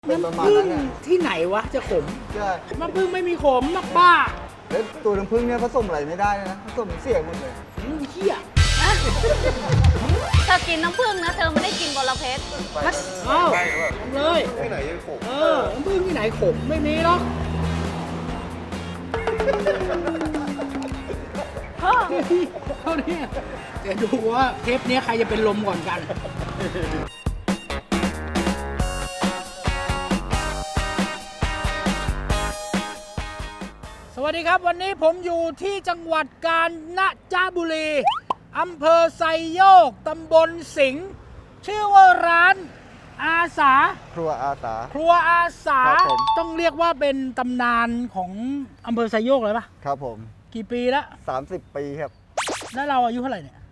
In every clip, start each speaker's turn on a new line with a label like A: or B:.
A: เป็นประมาณนั้นนะ
B: ที่ไหนวะจะขม
A: ใช่
B: น้ำผึ้งไม่มีขมนักบ้า
A: แล้วตัวน้ำผึ้งเนี่ยผสมอะไรไม่ได้นะผสมเสียหมดเลย
B: เหี้ย
C: เธอกินน้ำผึ้งนะ เธอไม่ได้กินบอระเพ็ด
B: เอาเลย
A: ที่ไหนยังขม
B: น้ำผึ้งที่ไหนขมไม่มีหรอกเท่านี้เดี๋ยวดูว่าเทปนี้ใครจะเป็นลมก่อนกัน สวัสดีครับวันนี้ผมอยู่ที่จังหวัดกาญจนบุรีอำเภอไซโยกตำบลสิงห์ชื่อว่าร้านอาสา
A: ครัวอาสา
B: ครัวอาสา
A: ครับผม
B: ต้องเรียกว่าเป็นตำนานของอำเภอไซโยกเลยปะ
A: ครับผม
B: กี่ปีแล้ว
A: 30 ปีครับ
B: แล้วเราอายุเท่าไหร่เนี่ย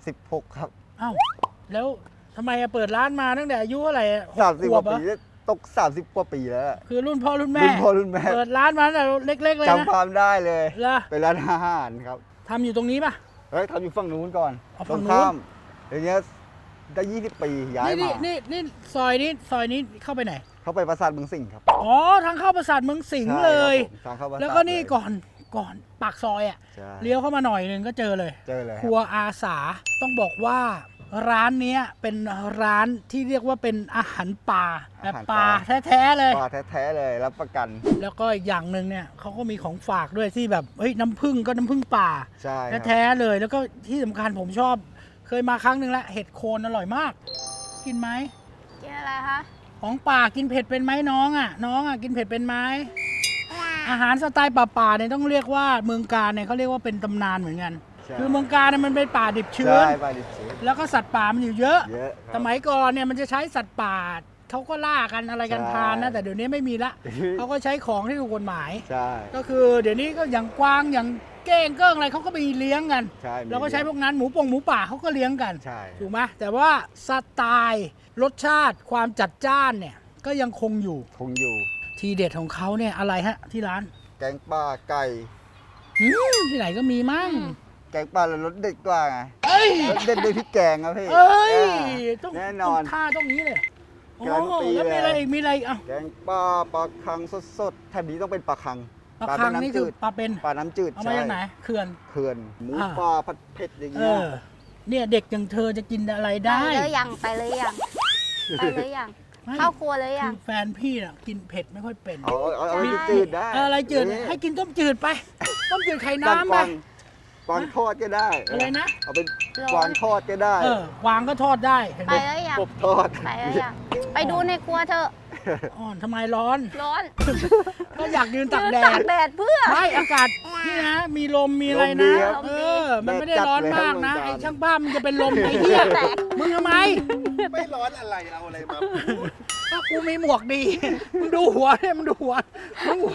A: 36 ครับ
B: อ้าวแล้วทำไมเปิดร้านมาตั้งแต่อายุเท่าไหร่
A: 30 ก
B: ขว
A: ว่า
B: บ
A: ปีตก30 กว่าปีแล้วอะ
B: คือรุ่นพ่อรุ่นแม่
A: รุ่นพ่อรุ่นแม่
B: เปิดร้านมาตั้งแต่เล็กๆเลยนะ
A: จำความได้เลย
B: เหรอ
A: เป็นร้านอาหารครับ
B: ทำอยู่ตรงนี้ปะ
A: เฮ้ยทำอยู่ฝั่งนู้นก่อน
B: อ๋อ
A: ต
B: ฝั่
A: รง ง
B: นู้น
A: ข้ามอย่างเงี้ยได้ 20 ปีย้ายมา
B: นี่ซอยนี้เข้าไปไหน
A: เข้าไปปราสาทเมืองสิงห์ครับ
B: อ๋อทางเข้าปราสาทเมืองสิงห์
A: ใช่
B: เลย
A: ครับผมทางเข้าปราสาท
B: แล้วก็นี่
A: เลย
B: ก่อนปากซอยอ่ะ
A: ใช่
B: เลี้ยวเข้ามาหน่อยหนึงก็เจอเลย
A: เจอเลย
B: ครัวอาสาต้องบอกว่าร้านเนี้ยเป็นร้านที่เรียกว่าเป็นอาหารป่าแบบป่าแท้ๆเลย
A: ปลาแท้ๆเลยรับประกัน
B: แล้วก็อีกอย่างหนึ่งเนี่ยเขาก็มีของฝากด้วยที่แบบเฮ้ยน้ำผึ้งก็น้ำผึ้งป่า
A: ใช่ครับ
B: แท้ๆเลย แล้วก็ที่สำคัญผมชอบ เคยมาครั้งหนึ่งแล้วเห็ดโคนอร่อยมาก กินไหม
C: กินอะไรคะ
B: ของป่ากินเผ็ดเป็นไหมน้องอ่ะกินเผ็ดเป็นไหมอาหารสไตล์ป่าๆเนี่ยต้องเรียกว่าเมืองกาญเนี่ยเขาเรียกว่าเป็นตำนานเหมือนกัน
A: ใช่
B: คือเมืองกาญเนี่ยมันเป็นป่าดิบชื้น
A: ใช่ปลาดิบชื้น
B: แล้วก็สัตว์ป่ามันอยู่เยอะ
A: เยอะค
B: ส
A: รับ
B: มัยก่อนเนี่ยมันจะใช้สัตว์ป่าเขาก็ล่ากันอะไรกัน
A: ใช่
B: ทานนะแต่เดี๋ยวนี้ไม่มีละเขาก็ใช้ของที่ถูกกฎหมาย
A: ใช่
B: ก็คือเดี๋ยวนี้ก็อย่างกวางอย่างเก้งเกิ้งอะไรเขาก็ไปเลี้ยงกัน
A: ใช่มี
B: เราก็ใช้พวกนั้นหมูป่าเขาก็เลี้ยงกัน
A: ใช่
B: ถูกไหมแต่ว่าสไตล์รสชาติความจัดจ้านเนี่ยก็ยังคงอยู่
A: คงอยู่
B: ทีเด็ดของเขาเนี่ยอะไรฮะที่ร้าน
A: แกงปลาไก่
B: ที่ไหนก็มีมั่ง
A: แกงปลาแล้วรสเด็ดกว่าไง
B: เอ้ย
A: รสเด็ดด้วยพริกแกงครับพี่
B: เอ้ย
A: าแน่นอน
B: ต้องท่าต้องนี้เลยโอ้
A: การันตี
B: แล้วมีอะไร
A: เลย
B: อีกมีอะไรอีกอ่ะ
A: แกงปลาคังสดๆแถบนี้ต้องเป็นปลาคัง
B: ปลาคังนี่คือปลาเป็น
A: ปลาน้ำจืด
B: เอามาจากไหนเขื่อน
A: เขื่อนหมู
B: อ่า
A: ปลาผัดเผ็ดอย่าง
B: เอ
A: เงี้ย
B: อเนี่ยเด็กอย่างเธอจะกินอะไร
C: ไป
B: ได้
C: เลยยังไปเลยยังไปเลยยัง
B: ไม่
C: เข้าครัวเลย
B: คื
C: ยัง
B: อแฟนพี่น่ะกินเผ็ดไม่ค่อยเป็น
A: เอาอะไรจืดๆได้
B: อะไรจืด
A: นี่
B: ให้กินต้มจืดไป ต้มจืดไข่
A: กวาง
B: น้ำไป
A: กวางทอดก็ได้
B: อะไรนะ
A: เอาเป็นกวางทอดก็ได้
B: วางก็ทอดได้เห็น
C: ไป
B: ไหม
C: เลยยัง
A: กบทอด
C: ไปเลยยังไปดูในครัวเธอะ
B: อ่อนทำไมร้อน
C: ร้อน
B: ก็อยากยืนตากแด
C: ตา
B: ด
C: กแดดเพื่อ
B: ไม่อากาศนี่นะ มีลมมีอะไร
A: ลม
B: นะ
A: ดีครับ
B: มันไม่ได้
A: แดดจัด
B: ร้อน
A: เลย
B: มากนะ
A: ครับ
B: ไอ้ช่างภาพมันจะเป็นลมไอ้เหี้ย
C: แตก
B: มึงทำไม
A: ไม่ร้อนอะไรเอาอะไรมา
B: ก็กูมีหมวกดี มึงดูหัวเนี่ยมึงดูหัวมึง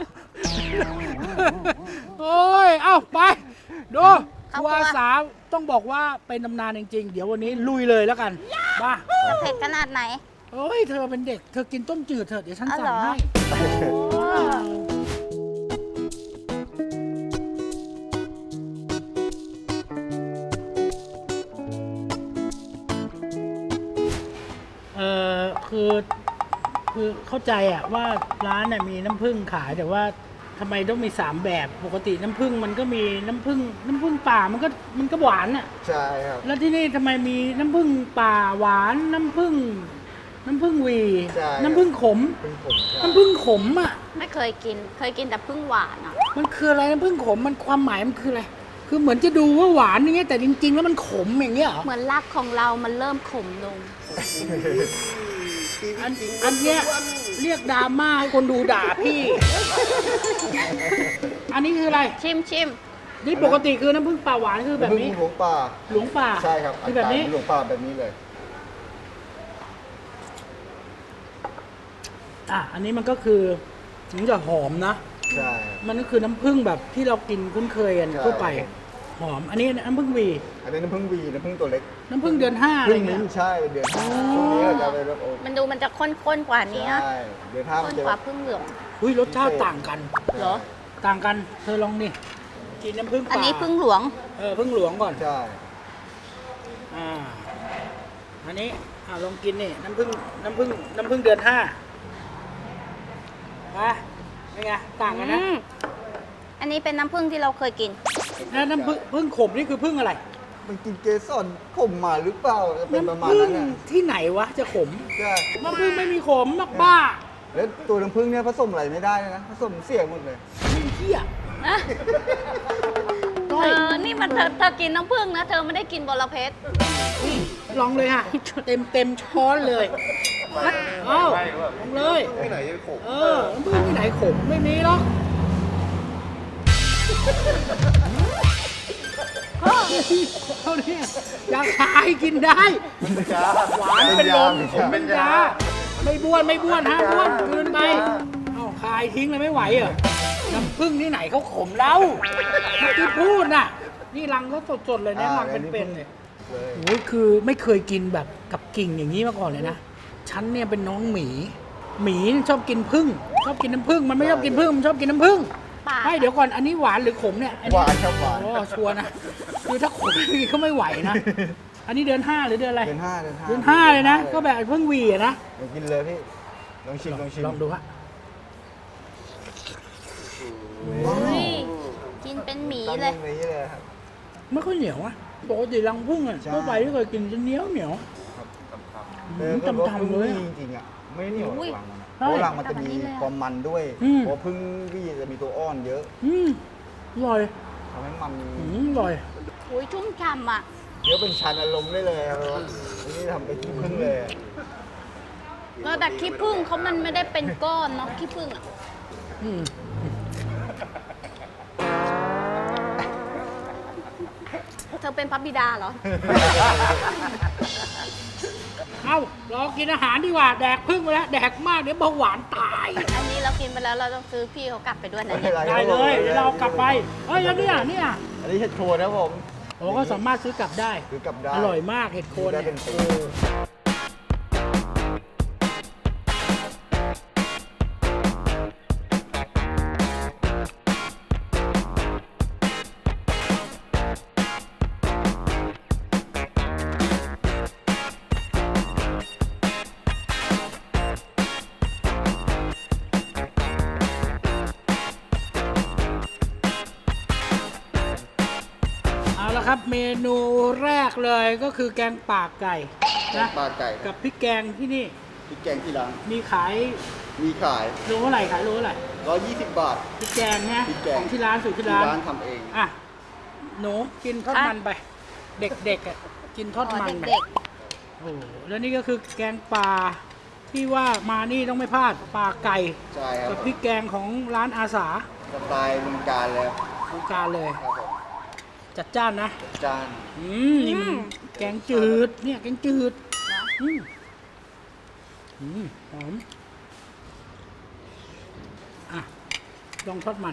B: โอ้ย เอ้าไป ดูครัวอาสาต้องบอกว่าเป็นตำนานจริงๆ เดี๋ยววันนี้ลุยเลยแล้วกันบ้า
C: จะเผ็ดขนาดไหน
B: โอ้ย เธอเป็นเด็ก เธอกินต้มจืดเถอะเดี๋ยวฉัน
C: อ๋อ
B: สั่ง
C: เหรอ
B: ให้คือเข้าใจอะว่าร้านเนี่ยมีน้ำผึ้งขายแต่ว่าทำไมต้องมี3แบบปกติน้ำผึ้งมันก็มีน้ำผึ้งป่ามันก็หวานอะ
A: ใช่ครับ
B: แล้วที่นี่ทำไมมีน้ำผึ้งป่าหวานน้ำผึ้งหวี
A: ใช่
B: น้ำผึ้งขม
A: เป็นผมใช่
B: น้ำผึ้งขมอะ
C: ไม่เคยกิน เคยกินแต่พึ่งหวานอ่ะ
B: มันคืออะไรน้ำผึ้งขมมันความหมายมันคืออะไรคือเหมือนจะดูว่าหวานอย่างเงี้ยแต่จริงๆแล้วมันขมอย่างเงี้ยเหรอ
C: เหมือนรักของเรามันเริ่มขมลง
B: อันเนี้ยเรียกดราม่าให้คนดูด่าพี่ อันนี้คืออะไร
C: ชิม
B: นี่ปกติคือน้ำผึ้งป่าหวานคือแบบนี้
A: หลวงป่า
B: หลวงป่า
A: ใช่ครับ
B: คือแบบนี้
A: หลวงป่าแบบนี้เลย
B: อันนี้มันก็คือมันจะหอมนะ
A: ใช่
B: มันก็คือน้ำผึ้งแบบที่เรากินคุ้นเคยกัน
A: ใช่
B: ทั่วไป หอม อันนี้น้ำผึ้งหวี
A: อันนี้น้ำผึ้งวีน้ำผึ้งตัวเล็ก
B: น้ำผึ้งเดือน5อะไร
A: พึ่ง
B: เงี้
A: มิ้
B: ย
A: นใช่เดือนห้า
B: อ๋อ
A: ช่วงนี้เราจะไปแบบโอ้
C: มันจะข้นๆกว่านี้
A: ใช่เดือนห้ามั
C: ข้
A: น
C: น
A: จะ
C: กว่าพึ่งเหลือง
B: อุ้ยรสชาติต่างกัน
C: เหรอ
B: ต่างกัน เธอลองดิกินน้ำผึ้งป่า
C: อันนี้พึ่งหลวง
B: ผึ้งหลวงก่อน
A: ใช่
B: อันนี้ลองกินนี่น้ำผึ้งเดือน5 อ่ะเป็นไงต่างกันนะ
C: อันนี้เป็นน้ำผึ้งที่เราเคยกิน
B: แล้วน้ำผึ้งขมนี่คือผึ้งอะไร
A: มันกินเกสรขมมาหรือเปล่าจะเป็นประมาณ
B: น้ำผึ้
A: นั้
B: ง
A: นนะ
B: ที่ไหนวะจะขม
A: ใช่
B: น้ำผึ้งไม่มีขมมากบ้า
A: แล้วตัวน้ำผึ้งเนี่ยผสมอะไรไม่ได้เลยนะผสมเสียหมดเลย
B: ไม่เที่ย
C: เธอ นี่มันเธอกินน้ำผึ้งนะ เธอไม่ได้กินบอระเพ็ด
B: ลองเลยค่ะ เต็มช้อนเลยเอ้าลองเลย
D: ที่ไหนจะขม
B: น้ำผึ้งที่ไหนขมไม่มีหรอกเท่านี้ยาคายกินได้ หวานเป็นลมขมเป็นยาไม่บ้วนฮะบ้วนคืนไปเอ้าคายทิ้งเลยไม่ไหวเหรอน้ำผึ้งที่ไหนเขาขมแล้วเมื่อกี้พูดน่ะ นี่รังเขาสดๆเลยนะรังเป็นๆเลยโอ้ยคือไม่เคยกินแบบกับกิ่งอย่างนี้มาก่อนเลยนะฉันเนี่ยเป็นน้องหมีชอบกินผึ้งชอบกินน้ำผึ้งมันไม่ชอบกินผึ้งมันชอบกินน้ำผึ้ง
C: ปาก
B: ไม่เดี๋ยวก่อนอันนี้หวานหรือขมเนี่ยอั
A: หวานครับหวาน
B: อ๋อชัวร์นะคือถ้าขมนี่ก็ไม่ไหวนะ อันนี้เดือน 5 หรือเดือนอะไร
A: เดือนห้าเดือนห้า
B: เดือน 5 เลยนะ ก็แบบเพิ่งหวีอะนะ
A: เดี๋ยวกินเลยพี่ลองชิมลองชิม
B: ลองดูฮะ
C: อุ้ยกินเป็นหมี
A: ตั้ง
C: เลย
A: อย่างนี้เลยครับ
B: ไม่ค่อยเหนียวอะปกติรังผึ้งอะ
A: ใช่
B: ทั่วไปที่เคยกินจะเหนียว
A: ก็บอก
B: จำๆเลย
A: จริงๆอ่ะไม่เหนียวหรอกรังมันอะ
B: ใช่
A: เพราะรังมันจะมีความมันด้วย
B: อืม
A: เพราะพึ่งพี่จะมีตัวอ้อนเยอะ
B: อร่อย
A: ทำให้มัน
B: อร่อย
C: อุ้ยชุ่มฉ่ำอ่ะ
A: เดี๋ยวเป็นชันอารมณ์ได้เลยครับอันนี้ทำเป็นขี้พึ่งเลย
C: ก็แต่ขี้ผึ้งเขามันไม่ได้เป็นก้อนเนาะขี้ผึ้งอ่ะ
B: อืม
C: เธอเป็นพระบิดาเหรอ
B: เอ้ารอกินอาหารดีกว่า แดกผึ้งไปแล้ว แดกมากเดี๋ยวเบาหวานตาย
C: อันนี้เรากินไปแล้วเราต้องซื้อพี่เขากลับไปด้วยนะ
A: ไม่เป็น
C: เนี่ย
A: ไร
B: ได้เลยเดี๋ยวเราเอากลับไปเฮ้ยแล้วเนี่ย
A: อันนี้เห็ดโคนนะครับผม
B: โอ้ก็สามารถซื้อกลับได้
A: หรือกลับได้
B: อร่อยมากเห็ดโคน
A: ได้
B: เนี่ย
A: เป็นปี
B: เอาละครับเมนูแรกเลยก็คือแกงป่าไก่นะ
A: ปลาไก่
B: กับพริกแกงที่นี่
A: พริกแกงที่ร้าน
B: มีขาย
A: มีขาย
B: โลเท่าไหร่ขายโลเท่าไหร่
A: 120 บาท
B: พริกแกงเนี่ย
A: พริกแกง
B: ของที่ร้านสูตรที่
A: ที่
B: ร้าน
A: ร้านทำเอง
B: อ่ะหนูกินทอดมันไป เด็กๆอ่ะกินทอด
C: อ๋อ
B: มันไป
C: เด็ก
B: โอ้โหแล้วนี่ก็คือแกงป่าที่ว่ามานี่ต้องไม่พลาดป่าไก่
A: ใช่ครั
B: กั
A: บบ
B: พริกแกงของร้านอาสา
A: สไตล์เมืองการเลย
B: ทางการเลย
A: ครับผม
B: จัดจ้านนะ
A: จาน
B: นี่มันแกงจืดเนี่ยแกงจืดหอมอ่ะลองทอดมัน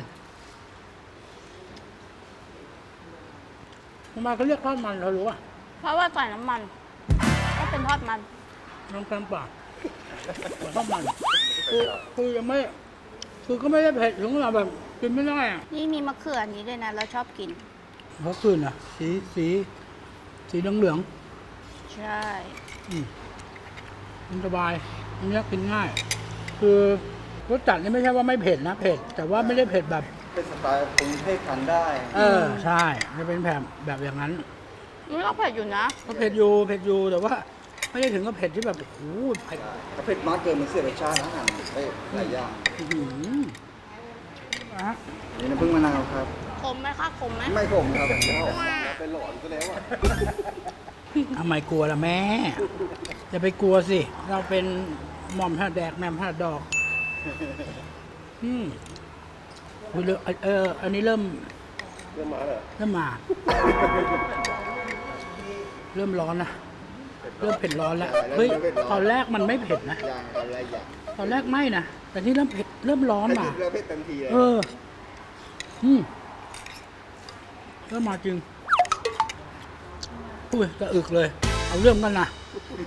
B: ทำไมเขาเรียกทอดมันเรารู้ป่ะ
C: ๆเพราะว่าใส่น้ำมันก็เป็นทอดมัน
B: น้ำแกงป่าทอดมันคือยังไม่คือก็ไม่ได้เผ็ดถึงขนาดแบบกินไม่ได้อ่ะ
C: นี่มีมะเขืออันนี้ด้วยนะ เราชอบกิน
B: เพราะคืนอ่ะสีเหลือง
C: ใช่
B: มันสบายอันนี้กินง่าย คือรสจัดนี่ไม่ใช่ว่าไม่เผ็ดนะเผ็ดแต่ว่าไม่ได้เผ็ดแบบ
A: เป็นสไตล์กรุงเทพทานได้
B: ใช่จะเป็นแบบอย่างนั้น
C: นี่ก็เผ็ดอยู่นะ
B: ก็เผ็ดอยู่แต่ว่าไม่ได้ถึงกับเผ็ดที่แบบโอ้โหเผ็ด
A: ถ้าเผ็ดมากเกินมันเสียรสชาติอาหารได้หลายอย่าง
B: อื้อหือนะฮะ
A: นี่น้ำผึ้งมะนาวครับ
C: ขมไหมคะขมไหม
A: ไม่ขมครับ
D: เป็นหลอนซะแล้วอ่ะ
B: ทำไมกลัวล่ะแม่จะไปกลัวสิ เราเป็นหม่อมหัดแดกแหม่มหัดดอกอุ๊ยอันนี้เริ่ม
D: เรื่องมาเหรอ
B: เริ่มมา เริ่มร้อนนะเริ่มเผ็ดร้อนแล้วเฮ้ยตอนแรกมันไม่เผ็ดนะ
A: อย่างอะไรอย่าง
B: ตอนแรกไม่นะแต่นี่เริ่มเผ็ดเริ่มร้อน
A: ให้
B: มา
A: เผ็ดแล้วเผ็ดเต็มทีเลย
B: เริ่มมาจริงอุ้ยจะอึกเลย เอาเรื่องกันนะ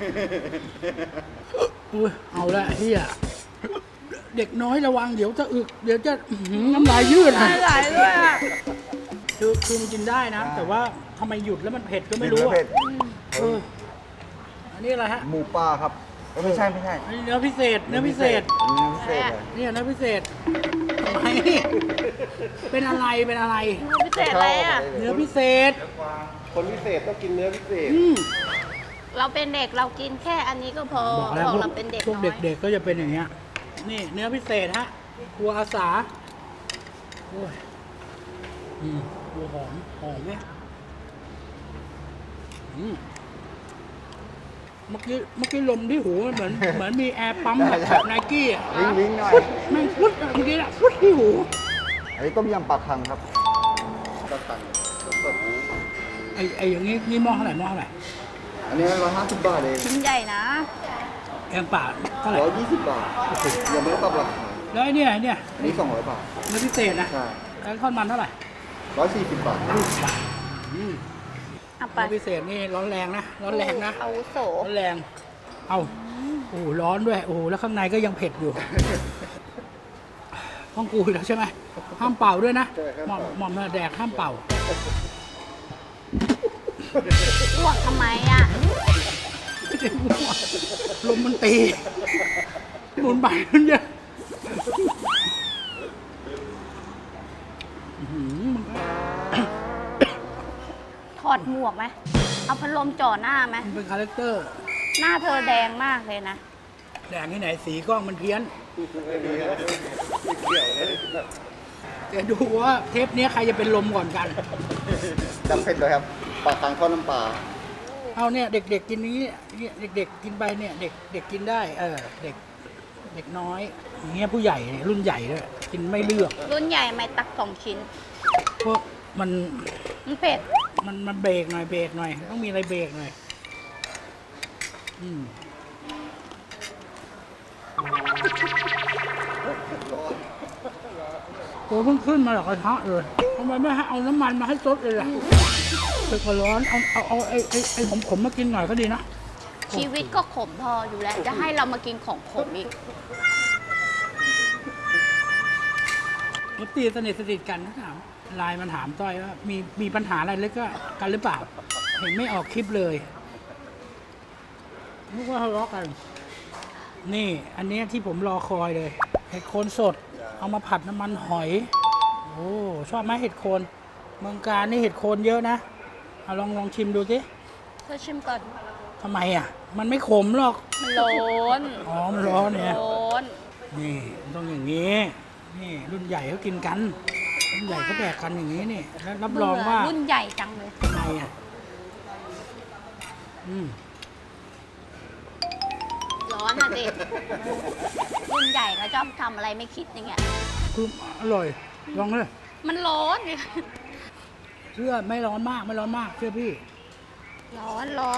B: อุ้ยเอาละเฮียเด็กน้อยระวังเดี๋ยวจะอึกเดี๋ยวจะน้ำลายยืดนะ
C: ไหลด้วยอ่ะ
B: คือมันกินได้นะ แต่ว่าทำไมหยุดแล้วมันเผ็ดก็ไม่รู้
A: เผ็
B: อ่ะ
A: ด
B: เอออันนี้อะไรฮะ
A: หมูป่าครับไม่ใช่ไม่ใช่
B: อันนี้เนื้อพิเศษ เนื้อพิเศษ
A: เนื้อพิเศษเลย
B: เนี่ยเนื้อพิเศษทำไมเป็นอะไร เป็นอะไร
C: พิเศษอะไรอ่ะ
B: เนื้อพิเศษ
D: คนพิเศษต้องกินเนื้อพิเศษ
B: อืม
C: เราเป็นเด็กเรากินแค่อันนี้ก็พอ
B: บอกแล้ว
C: บอก
B: พวก
C: เราเป็นเด็ก
B: พวก
C: น้อย
B: เด็กๆก็จะเป็นอย่างเงี้ย นี่เนื้อพิเศษฮะครัวอาสาโอ้ยครัวหอม หอมเนี่ยเมื่อกี้ลมที่หูมันเหมือนมีแอร์ปั๊มแบบไนกี้อ่ะ
A: วิ่งหน่อย
B: แม่งฟุดอะเมื่อกี้อะฟุดที่หู
A: อันนี้ต้มยำปลาคังครับ
D: ก็ตังสด
B: ไอ้อย่างงี้นี่หม้อเท่าไหร่หม้อเท่าไหร่
A: อันนี้150 บาทเอง
C: ชิ้นใหญ่นะ
B: แกงป่าเท่าไหร่
A: 120 บาทยังไม่ได้ปรับราคา
B: แล้วไอ้เนี่ย
A: อันนี้200 บาท
B: เนื้อพิเศษนะ
A: ใช่
B: แล้วทอดมันเท่าไหร่
A: 140 บาท
C: เอาไป
B: เนื้อพิเศษนี่ร้อนแรงนะ ร้อนแรงนะ
C: อาวุโส
B: ร้อนแรง เอาโอ้โหร้อนด้วย โอ้โหแล้วข้างในก็ยังเผ็ดอยู่ ห้องกูอีกแล้วใช่ไหมห้ามเป่าด้วยนะหม่อมแดกห้ามเป่า
C: อ้วกทำไมอ่ะ
B: ไม่ได้มั่วลมมันตีหมุนไปมันเยอะมันก็
C: ถอดหมวกไหม เอาพัดลมจ่อหน้าไหม
B: มันเป็นคาแรคเตอร์
C: หน้าเธอแดงมากเลยนะ
B: แดงที่ไหนสีกล้องมันเพี้ยนเดี๋ยวดูว่าเทปนี้ใครจะเป็นลมก่อนกัน
A: จำเผ็ดเลยครับปลาคังทอดน้ำปลา
B: เอาเนี่ยเด็กๆกินนี้เนี่ยเด็กๆกินไปเนี่ยเด็กกินได้เด็กน้อยอย่างเงี้ยผู้ใหญ่เนี่ยรุ่นใหญ่ด้วยกินไม่เลือก
C: รุ่นใหญ่ไม่ตัก2 ชิ้น
B: พวกมัน
C: มันเผ็ด
B: มันเบรกหน่อยต้องมีอะไรเบรกหน่อยโอ้เพิ่งขึ้นมาจากกระทะเลยทำไมไม่ให้เอาน้ำมันมาให้ซดเลยล่ะเผ็ดก็ร้อนเอาไอ้ขมๆมากินหน่อยก็ดีนะ
C: ชีวิตก็ขมพออยู่แล้ว จะให้เรามากินของขมอีก
B: ตีสนิทกันนะถามไลน์มันถามต้อยว่ามีปัญหาอะไรเล็กกันหรือเปล่า เห็นไม่ออกคลิปเลยนึกว่าทะเลาะกัน นี่ อันเนี้ยที่ผมรอคอยเลยเห็ดโคนสด เอามาผัดน้ำมันหอย โอ้ชอบไหมเห็ดโคนเมืองการนี่เห็ดโคนเยอะนะเอาลองชิมดูสิ
C: เธอชิมก่อน
B: ทำไมอ่ะ มันไม่ขมหรอก
C: มันร้อน
B: อ๋อมันร้อนเนี่ย
C: ร้อน
B: นี่มันต้องอย่างนี้ นี่รุ่นใหญ่เขากินกัน รุ่นใหญ่เขาแดกกันอย่างนี้นี่แล้วรับรองว่า
C: รุ่นใหญ่จังเลย
B: ทำไมอ่ะ
C: ร้อนอ่ะเด็กรุ่นใหญ่เขาชอบทำอะไรไม่คิดอย่างเงี้ย
B: คืออร่อย ลองเลย
C: มันร้อนดิ
B: เชื่อไม่ร้อนมากไม่ร้อนมากเชื่อพี่
C: ร้อน
B: อร่อย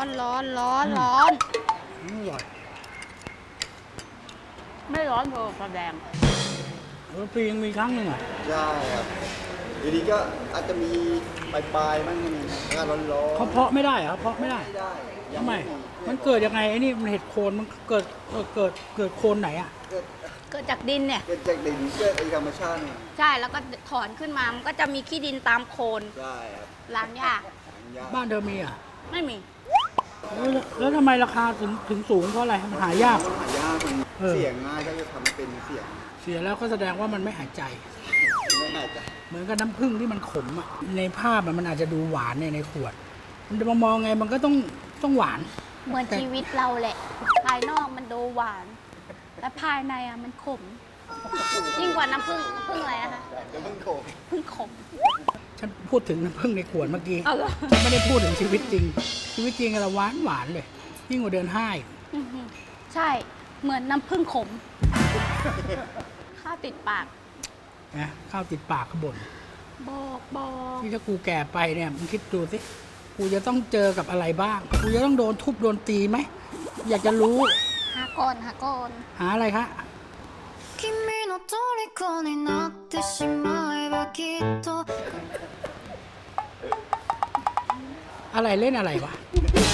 C: ไม่ร้อนเธอแสดง
B: ปียังมีครั้งหนึ่งอ่ะ
A: ใช่ครับทีนี้ก็อาจจะมีปลายๆบ้างมีอากาศร้อนๆ
B: เขาเพาะไม่ได้เหรอเพาะไม่ได้
A: ไม่ได้
B: ทำไมมันเกิดยังไงไอ้นี่มันเห็ดโคนมันเกิดโคนไหนอ่ะ
C: เกิดจากดินเนี่ย
A: เกิดจากดินเกิดเองธรรมชาติเนี่ย
C: ใช่แล้วก็ถอนขึ้นมามันก็จะมีขี้ดินตามโคน
A: ใช่ครับ
C: ล้างยาก
A: ยาก
B: บ้านเธอมีอ่ะ
C: ไม่มี
B: แล้วทำไมราคาถึงสูงเพราะอะไรมันหายาก
A: มันหายากมัน
B: เออ
A: เสียงง่ายก็จะทำเป็นเสียง
B: เสียแล้วก็แสดงว่ามันไม่หายใจ
A: ไม่น่าจะ
B: เหมือนกับน้ำผึ้งที่มันขมอ่ะในภาพมันอาจจะดูหวานในขวด มันจะมองไงมันก็ต้องหวาน
C: เหมือนชีวิตเราแหละ ภายนอกมันดูหวาน แต่ภายในอ่ะมันขม ยิ่งกว่าน้ำผึ้งอะไรนะคะ
A: เดี๋ยวมันโขก
C: ผึ้งขม
B: ฉันพูดถึงน้ำผึ้งในขวดเมื่อกี้
C: เอาเหรอ
B: ฉันไม่ได้พูดถึงชีวิตจริง ชีวิตจริงเราหวานเลย ยิ่งกว่าเดินห้างอีก
C: อื้อหือใช่ เหมือนน้ำผึ้งขม ข้าวติดปาก
B: นะข้าวติดปากขบน
C: บอก
B: ที่ถ้ากูแก่ไปเนี่ยมึงคิดดูสิกูจะต้องเจอกับอะไรบ้าง กูจะต้องโดนทุบโดนตีไหมอยากจะรู้
C: หาก่อน
B: หาอะไรคะ
E: 君の虜になってしまえばきっと
B: อะไรเล่นอะไรวะ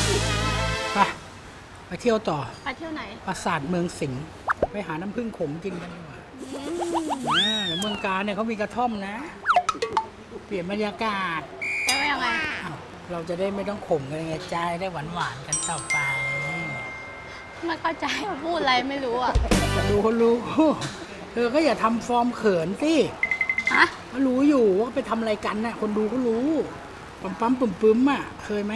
B: ไปเที่ยวต่อ
C: ไปเที่ยวไหน
B: ปราสาทเมืองสิงห์ไปหาน้ำผึ้งขมกินกันดีกว่าเมืองการเนี่ยเขามีกระท่อมนะ เปลี่ยนบรรยากาศ
C: แต่ว่ายังไง
B: อ้าวเราจะได้ไม่ต้องขมกันไงใจได้หวานๆกันต่อไป
C: ไม่เข้าใจว่าพูดอะไรไม่รู้อ่ะ
B: ดูคนรู้ เธอก็อย่าทำฟอร์มเขินสิ
C: ฮะ
B: ก็รู้อยู่ว่าไปทำอะไรกันน่ะ คนดูก็รู้ ปั๊มปั๊มปึ้มปึ้มอ่ะ เคยไหม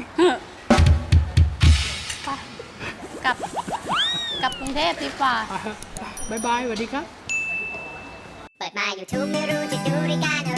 C: ไปกลับกรุงเทพดีกว่า
B: ไปบายบายสวัสดีครับ
F: เปิดมา YouTube ไม่รู้จะดูรายการ